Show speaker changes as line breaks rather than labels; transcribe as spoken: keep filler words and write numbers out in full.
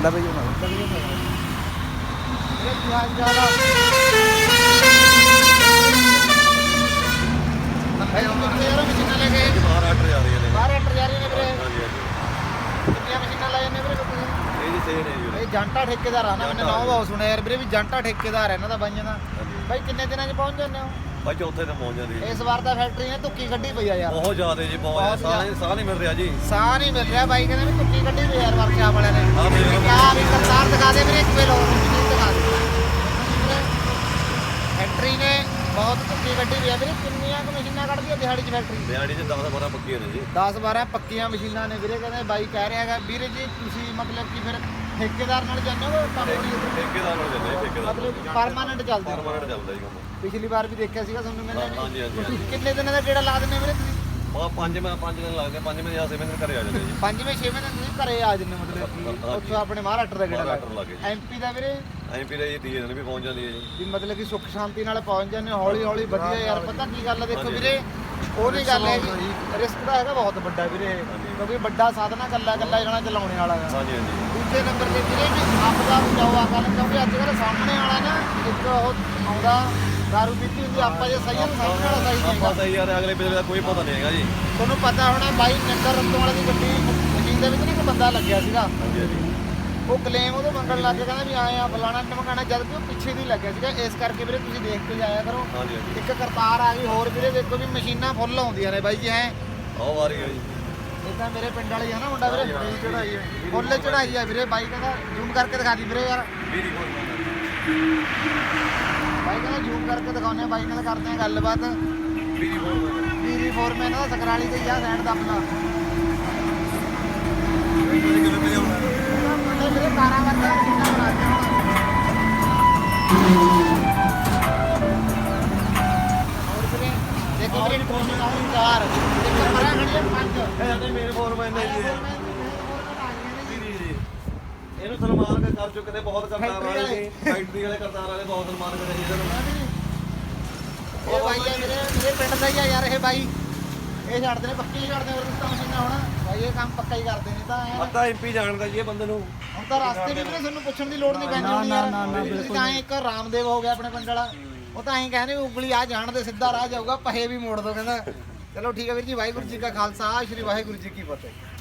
ਲਵੇ ਜੋ ਨਾ
ਇਹ ਕੀ ਹਾਲ ਚਾਲ ਆ ਭਾਈ ਕਿੰਨੇ ਯਾਰ ਮਸ਼ੀਨਾਂ ਲੈ ਕੇ
ਬਾਹਰ ਆਰਡਰ ਜਾ ਰਹੀਆਂ ਨੇ
ਬਾਹਰ ਐਂਟਰ ਜਾ ਰਹੀਆਂ ਨੇ ਵੀਰੇ
ਹਾਂਜੀ ਹਾਂਜੀ
ਕਿੰਨੀਆਂ ਮਸ਼ੀਨਾਂ ਲਾਈਆਂ ਨੇ ਵੀਰੇ ਤੁਸੀਂ
ਇਹ ਜੀ ਸੇਲ ਹੈ ਜੀ
ਇਹ ਜਾਂਟਾ ਠੇਕੇਦਾਰ ਆ ਨਾ ਮੈਨੇ ਨਾਮ ਬਹੁਤ ਸੁਣਿਆ ਯਾਰ ਵੀਰੇ ਵੀ ਜਾਂਟਾ ਠੇਕੇਦਾਰ ਹੈ ਇਹਨਾਂ ਦਾ ਬਾਈਆਂ ਦਾ ਬਾਈ ਕਿੰਨੇ ਦਿਨਾਂ 'ਚ ਪਹੁੰਚ ਜਾਂਦੇ ਹੋ
ਭਾਈ ਚੌਥੇ ਤੇ ਪਹੁੰਚ ਜਾਂਦੀ
ਇਸ ਵਾਰ ਤਾਂ ਫੈਕਟਰੀ ਨੇ ਤੁੱਕੀ ਕੱਢੀ ਪਈ ਆ ਯਾਰ
ਬਹੁਤ ਜ਼ਿਆਦਾ ਜੀ ਬਹੁਤ ਸਾਹ ਸਾਹ ਨਹੀਂ ਮਿਲ ਰਿਹਾ ਜੀ
ਸਾਹ ਨਹੀਂ ਮਿਲ ਰਿਹਾ ਬਾਈ ਕਹਿੰਦੇ ਵੀ ਤੁੱਕੀ ਕੱਢੀ ਪਈ ਯਾਰ ਵਰਕਸ਼ਾਪ ਵਾਲਿਆਂ ਨੇ
ਆਹ ਮੇਰੇ
ਕਿਆ ਵੀ ਕਰਤਾਰ ਦਿਖਾ ਦੇ ਵੀਰੇ ਇੱਕ ਵੇ ਲੋਰ ਮਸ਼ੀਨ ਦਿਖਾ ਦੇ ਫੈਕਟਰੀ ਨੇ ਬਹੁਤ ਤੁੱਕੀ ਕੱਢੀ ਪਈ ਆ ਵੀਰੇ ਕਿੰਨੀਆਂ ਕੁ ਮਸ਼ੀਨਾਂ ਕੱਢਦੀ ਆ ਦਿਹਾੜੀ 'ਚ ਫੈਕਟਰੀ
ਦਿਹਾੜੀ 'ਚ ਦਸ ਬਾਰਾਂ ਪੱਕੀਆਂ ਨੇ ਜੀ
ਦਸ ਬਾਰਾਂ ਪੱਕੀਆਂ ਮਸ਼ੀਨਾਂ ਨੇ ਵੀਰੇ ਕਹਿੰਦੇ ਬਾਈ ਕਹਿ ਰਿਹਾ ਹੈਗਾ ਵੀਰੇ ਜੀ ਤੁਸੀਂ ਮਤਲਬ ਕਿ ਫਿਰ ਠੇਕੇਦਾਰ ਨਾਲ ਜਾਂਦੇ ਹੋ ਕੰਮ
ਠੇਕੇਦਾਰ ਨਾਲ ਜਾਂਦੇ ਠੇਕੇਦਾਰ
ਮਤਲਬ ਪਰਮਾਨੈਂਟ ਚੱਲਦੇ ਹੋ
ਪਰਮਾਨੈਂਟ ਚੱਲਦਾ ਜੀ ਕੰਮ
ਪਿਛਲੀ ਵਾਰ ਵੀ ਦੇਖਿਆ ਸੀਗਾ ਤੁਹਾਨੂੰ ਮੈंने
ਹਾਂਜੀ ਹਾਂਜੀ
ਕਿੰਨੇ ਦਿਨਾਂ ਦਾ ਗੇੜਾ ਲਾ ਦਿੰਦੇ ਵੀਰੇ ਤੁਸੀਂ
ਉਹ ਪੰਜ ਮੈਂ ਪੰਜ ਦਿਨ ਲੱਗਦੇ ਪੰਜਵੇਂ ਜਾਂ ਛੇਵੇਂ ਦਿਨ ਘਰੇ ਆ ਜਾਂਦੇ ਜੀ
ਪੰਜਵੇਂ ਛੇਵੇਂ ਦਿਨ ਤੁਸੀਂ ਘਰੇ ਆ ਜਾਂਦੇ ਮਤਲਬ ਕਿ ਉੱਥੋਂ ਆਪਣੇ ਮਹਾਰਾਸ਼ਟਰ ਦਾ ਗੇੜਾ ਲਾ
ਮਹਾਰਾਸ਼ਟਰ ਲੱਗੇ
ਐਮਪੀ ਦਾ ਵੀਰੇ
ਐਮਪੀ ਦਾ ਜੀ ਤੀਏ ਦਿਨ ਵੀ ਪਹੁੰਚ ਜਾਂਦੀ ਹੈ ਜੀ
ਵੀ ਮਤਲਬ ਕਿ ਸੁੱਖ ਸ਼ਾਂਤੀ ਨਾਲ ਪਹੁੰਚ ਜਾਂਦੇ ਹੌਲੀ ਹੌਲੀ ਵਧੀਆ ਯਾਰ ਪਤਾ ਕੀ ਗੱਲ ਹੈ ਦੇਖੋ ਵੀਰੇ ਉਹ ਨਹੀਂ ਗੱਲ ਹੈ ਰਿਸਕ ਦਾ ਹੈਗਾ ਬਹੁਤ ਵੱਡਾ ਵੀਰੇ ਕਿਉਂਕਿ ਵੱਡਾ ਸਾਧਨਾ ਕੱਲਾ ਕੱਲਾ ਜਣਾ ਚਲਾਉਣੇ ਵਾਲਾ ਹੈ
ਹਾਂਜੀ ਹਾਂਜੀ
ਦੂਜੇ ਨੰਬਰ ਤੇ ਵੀਰੇ ਵੀ ਆਪਦਾ ਬਚਾਓ ਆ ਕਰ ਕਿਉਂਕਿ ਅੱਜ ਕੱਲ੍ਹ ਸਾਹਮਣੇ ਵਾਲਾ ਨਾ ਇੱਕ ਉਹ ਆਉਂਦਾ ਦਾਰੂ ਪੀਤੀ ਹੁੰਦੀ ਆਪਾਂ ਜੇ ਸਹੀ ਹੈ ਤਾਂ ਸਾਹਮਣੇ ਵਾਲਾ ਸਹੀ ਨਹੀਂ
ਆਪਾਂ ਤਾਂ ਯਾਰ ਅਗਲੇ ਪਿਛਲੇ ਦਾ ਕੋਈ ਪਤਾ ਨਹੀਂ ਹੈਗਾ ਜੀ
ਤੁਹਾਨੂੰ ਪਤਾ ਹੋਣਾ ਬਾਈ ਨੰਬਰ ਰੰਤੋਂ ਵਾਲੇ ਦੀ ਗੱਡੀ ਮਸ਼ੀਨ ਦੇ ਵਿੱਚ ਨਾ ਇੱਕ ਬੰਦਾ ਲੱਗਿਆ ਸੀਗਾ
ਹਾਂਜੀ ਹਾਂਜੀ
ਉਹ ਕਲੇਮ ਉਹਦੇ ਮੰਗਣ ਲੱਗ ਗਿਆ ਕਹਿੰਦਾ ਵੀ ਆਏ ਆ ਫਲਾਣਾ ਟਮਕਾਣਾ ਜਦ ਕਿ ਉਹ ਪਿੱਛੇ ਦੀ ਲੱਗਿਆ ਸੀਗਾ ਇਸ ਕਰਕੇ ਵੀਰੇ ਤੁਸੀਂ ਦੇਖ ਕੇ ਜਾਇਆ ਕਰੋ
ਹਾਂਜੀ ਹਾਂਜੀ
ਇੱਕ ਕਰਤਾਰ ਆ ਗਈ ਹੋਰ ਵੀਰੇ ਦੇਖੋ ਵੀ ਮਸ਼ੀਨਾਂ ਫੁੱਲ ਆਉਂਦੀਆਂ ਨੇ ਬਾਈ ਜੀ ਐ
ਆਹ ਆ ਰਹੀ ਹੈ ਜੀ
ਇਦਾਂ ਮੇਰੇ ਪਿੰਡ ਵਾਲੇ ਆ ਨਾ ਮੁੰਡਾ ਵੀਰੇ ਚੜਾਈ ਫੁੱਲ ਚੜਾਈ ਆ ਵੀਰੇ ਬਾਈ ਕਹਿੰਦਾ ਜ਼ੂਮ ਕਰਕੇ ਦਿਖਾ ਦੀ ਵੀਰੇ ਯਾਰ
ਵੀਰੀ ਕੋਲ
ਬਾਈ ਕਹਿੰਦਾ ਜ਼ੂਮ ਕਰਕੇ ਦਿਖਾਉਂਦੇ ਆ ਬਾਈ ਨਾਲ ਕਰਦੇ ਆ ਗੱਲਬਾਤ
ਵੀਰੀ ਕੋਲ
ਵੀਰੀ ਫੋਰਮੈਨ ਦਾ ਸਕਰਾਲੀ ਤੇ ਆ ਸਾਈਡ ਦਾ ਆਪਣਾ ਮੁੰਡੇ ਵੀਰੇ ਕਾਰਾਂ ਵਰਗਾ ਮਸ਼ੀਨਾਂ ਬਣਾ ਕੇ ਹੋਰ ਵੀਰੇ ਦੇਖੋ ਵੀਰੇ ਕੋਸ਼ਿਸ਼ ਆਉਂ ਚਾਰ ਇੱਕ ਪਰਾਂ ਖੜੀ ਆ ਪੰਜ
ਇਹ ਤਾਂ ਮੇਰੇ ਫੋਰਮੈਨ ਨੇ ਜੀ ਇਹਨੂੰ ਸਨਮਾਨ ਕਰ ਚੁੱਕੇ ਨੇ ਬਹੁਤ ਕਰਤਾਰ ਵਾਲੇ ਫੈਕਟਰੀ ਵਾਲੇ ਕਰਤਾਰ ਵਾਲੇ ਬਹੁਤ ਸਨਮਾਨ ਕਰੇ ਜੀ ਇਹਨੂੰ
ਇਹ ਬਾਈ ਆ ਵੀਰੇ ਮੇਰੇ ਪਿੰਡ ਦਾ ਹੀ ਆ ਯਾਰ ਇਹ ਬਾਈ ਇਹ ਛੱਡਦੇ ਨੇ ਪੱਕੀ ਹੀ ਛੱਡਦੇ ਹੋਰ ਤਾਂ ਮਸ਼ੀਨਾਂ ਹੁਣ ਬਾਈ ਇਹ ਕੰਮ ਪੱਕਾ ਹੀ ਕਰਦੇ ਨੇ ਤਾਂ ਐਂ
ਅੱਧਾ ਐਮਪੀ ਜਾਣਦਾ ਜੀ ਇਹ ਬੰਦੇ ਨੂੰ
ਹੁਣ ਤਾਂ ਰਸਤੇ ਵੀ ਵੀਰੇ ਤੁਹਾਨੂੰ ਪੁੱਛਣ ਦੀ ਲੋੜ ਨਹੀਂ ਪੈਂਦੀ ਹੋਣੀ ਯਾਰ ਤੁਸੀਂ ਤਾਂ ਐਂ ਇੱਕ ਰਾਮਦੇਵ ਹੋ ਗਿਆ ਆਪਣੇ ਪਿੰਡ ਵਾਲਾ ਉਹ ਤਾਂ ਐਂ ਕਹਿੰਦੇ ਉਂਗਲੀ ਆ ਜਾਣਦੇ ਸਿੱਧਾ ਰਾਹ ਜਾਊਗਾ ਪਹੇ ਵੀ ਮੋੜ ਦੋ ਕਹਿੰਦਾ ਚਲੋ ਠੀਕ ਹੈ ਵੀਰ ਜੀ ਵਾਹਿਗੁਰੂ ਜੀ ਕਾ ਖਾਲਸਾ ਸ੍ਰੀ ਵਾਹਿਗੁਰੂ ਜੀ ਕੀ ਫਤਿਹ।